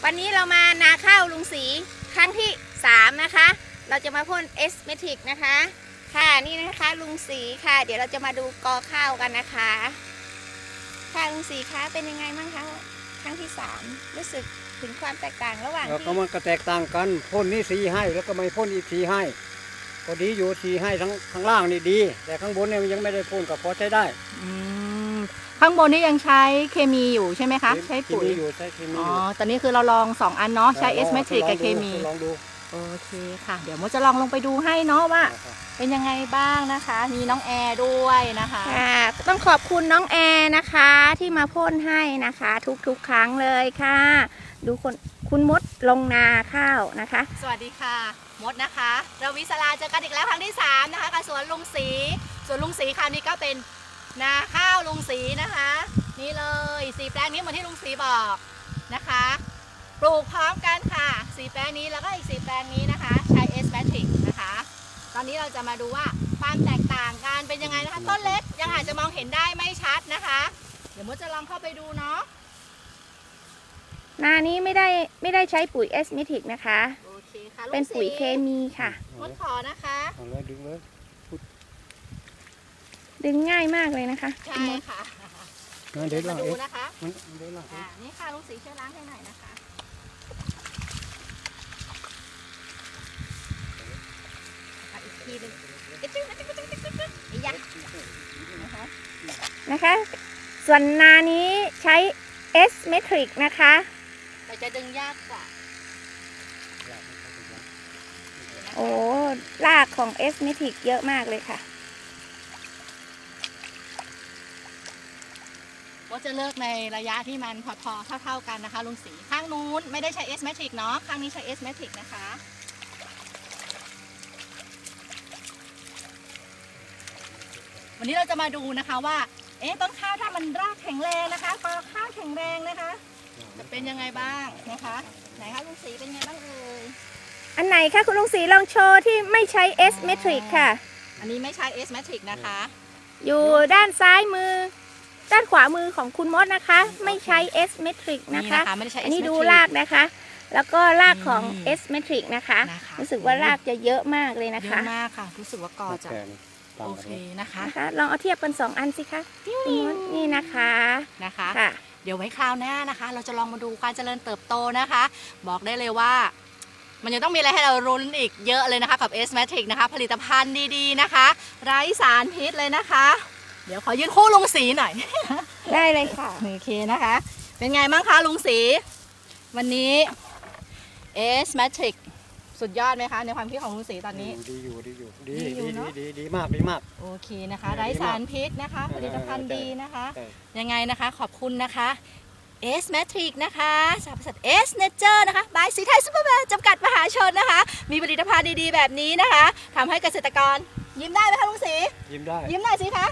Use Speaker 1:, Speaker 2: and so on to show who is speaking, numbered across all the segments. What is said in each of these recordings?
Speaker 1: วันนี้เรามานาข้าวลุงศรีครั้งที่3นะคะเราจะมาพ่นเอสเมทิกนะคะค่ะนี่นะคะลุงศรีค่ะเดี๋ยวเราจะมาดูกอข้าวกันนะคะค่ะลุงศรีคะเป็นยังไงบ้างคะครั้งที่3รู้สึกถึงความแตกต่างระหว่างที่
Speaker 2: ก็มันก็แตกต่างกันพ่นนี่สีให้แล้วก็ไม่พ่นอีกสีให้ก็ดีอยู่สีให้ทั้งข้างล่างนี่ดีแต่ข้างบนเนี่ยยังไม่ได้พ่นก็พอใช้ได้
Speaker 3: ข้างบนนี่ยังใช้เคมีอยู่ใช่ไหมคะใช้ปุ๋ย
Speaker 2: อยู่ใช้เคมีอยู่
Speaker 3: ตอนนี้คือเราลอง2 อันเนาะใช้เอสเมทริกกับเคมี
Speaker 2: ลองดู
Speaker 3: โอเคค่ะเดี๋ยวโมจะลองลงไปดูให้เนาะว่าเป็นยังไงบ้างนะคะมีน้องแอร์ด้วยนะคะ
Speaker 1: ต้องขอบคุณน้องแอร์นะคะที่มาพ่นให้นะคะทุกครั้งเลยค่ะดูคุณมดลงนาข้าวนะคะ
Speaker 3: สวัสดีค่ะมดนะคะเราวิศราเจอกันอีกแล้วครั้งที่3นะคะกับสวนลุงศรีคราวนี้ก็เป็นนาข้าวลุงศรีนะคะนี่เลย4 แปลงนี้เหมือนที่ลุงศรีบอกนะคะปลูกพร้อมกันค่ะ4 แปลงนี้แล้วก็อีก4 แปลงนี้นะคะใช้เอสแมทริกนะคะตอนนี้เราจะมาดูว่าความแตกต่างกันเป็นยังไงนะคะต้นเล็กยังอาจจะมองเห็นได้ไม่ชัดนะคะเดี๋ยวมดจะลองเข้าไปดูเนาะ
Speaker 1: นานี้ไม่ได้ใช้ปุ๋ยเอสเมทิกนะคะ
Speaker 3: โอเคค่ะ
Speaker 1: เป็นปุ๋ยเคมีค่ะ
Speaker 3: มดขอนะคะ
Speaker 2: ดึงเลย
Speaker 1: ดึงง่ายมากเลยนะคะ
Speaker 3: ใช่ค่ะ
Speaker 2: เดี๋ยว
Speaker 3: ดูนะคะ
Speaker 1: นี่ค่ะลุงศรีช่วยล้างให้หน่อยนะคะอีกทีนึงนะคะส่วนนานี้ใช้เอสเมทริกนะคะ
Speaker 3: แต่จะดึงยากกว่า
Speaker 1: โอ้รากของเอสเมทริกเยอะมากเลยค่ะ
Speaker 3: ว่าจะเลิกในระยะที่มันพอเท่ากันนะคะลุงศรีข้างนู้นไม่ได้ใช้เอสเมทริกเนาะข้างนี้ใช้เอสเมทริกนะคะวันนี้เราจะมาดูนะคะว่าต้นข้าวถ้ามันรากแข็งแรงนะคะกอข้าวแข็งแรงนะคะจะเป็นยังไงบ้างนะคะไหนคะลุงศรีเป็นยังไงบ้างเอ่ย
Speaker 1: อันไหนคะคุณลุงศรีลองโชว์ที่ไม่ใช้เอสเมทริกค่ะ
Speaker 3: อันนี้ไม่ใช้เอสเมทริกนะคะ
Speaker 1: อยู่ด้านซ้ายมือด้านขวามือของคุณมดนะคะไม่ใช้เอสเมทริกนะคะอันนี้ดูรากนะคะแล้วก็รากของเอสเมทริกนะคะรู้สึกว่ารากจะเยอะมากเลยนะคะ
Speaker 3: เยอะมากค่ะรู้สึกว่ากอจะโอเคนะคะ
Speaker 1: ลองเอาเทียบกัน2 อันสิคะนี่นะคะ
Speaker 3: ค่ะเดี๋ยวไว้คราวหน้านะคะเราจะลองมาดูการเจริญเติบโตนะคะบอกได้เลยว่ามันยังต้องมีอะไรให้เรารุ้นอีกเยอะเลยนะคะกับเอสเมทริกนะคะผลิตภัณฑ์ดีๆนะคะไร้สารพิษเลยนะคะเดี๋ยวขอยืนคู่ลุงศรีหน่อย
Speaker 1: ได้เลยค่ะ
Speaker 3: โอเคนะคะเป็นไงบ้างคะลุงศรีวันนี้เอสเมทริกสุดยอดไหมคะในความคิดของลุงศรีตอนนี้
Speaker 2: ดีมาก
Speaker 3: โอเคนะคะไร้สารพิษนะคะผลิตภัณฑ์ดีนะคะยังไงนะคะขอบคุณนะคะเอสเมทริกนะคะจากบริษัทเอสเนเจอร์นะคะบายสีไทยซุปเปอร์แมนจำกัดมหาชนนะคะมีผลิตภัณฑ์ดีๆแบบนี้นะคะทำให้เกษตรกรยิ้มได้ไหมคะลุงศรี
Speaker 2: ยิ้มได้
Speaker 3: ยิ้มหน่อยสิคะ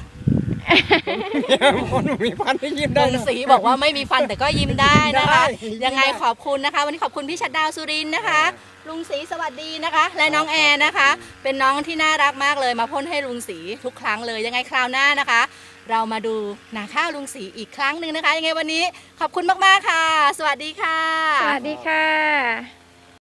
Speaker 2: คนมีฟันไม่ยิ้มได้
Speaker 3: ลุงศรีบอกว่าไม่มีฟันแต่ก็ยิ้มได้นะคะยังไงขอบคุณนะคะวันนี้ขอบคุณพี่ชัดดาวสุรินทร์นะคะลุงศรีสวัสดีนะคะและน้องแอนนะคะเป็นน้องที่น่ารักมากเลยมาพ่นให้ลุงศรีทุกครั้งเลยยังไงคราวหน้านะคะเรามาดูนาข้าวลุงศรีอีกครั้งหนึ่งนะคะยังไงวันนี้ขอบคุณมากๆค่ะสวัสดีค่ะ
Speaker 1: สวัสดีค่ะ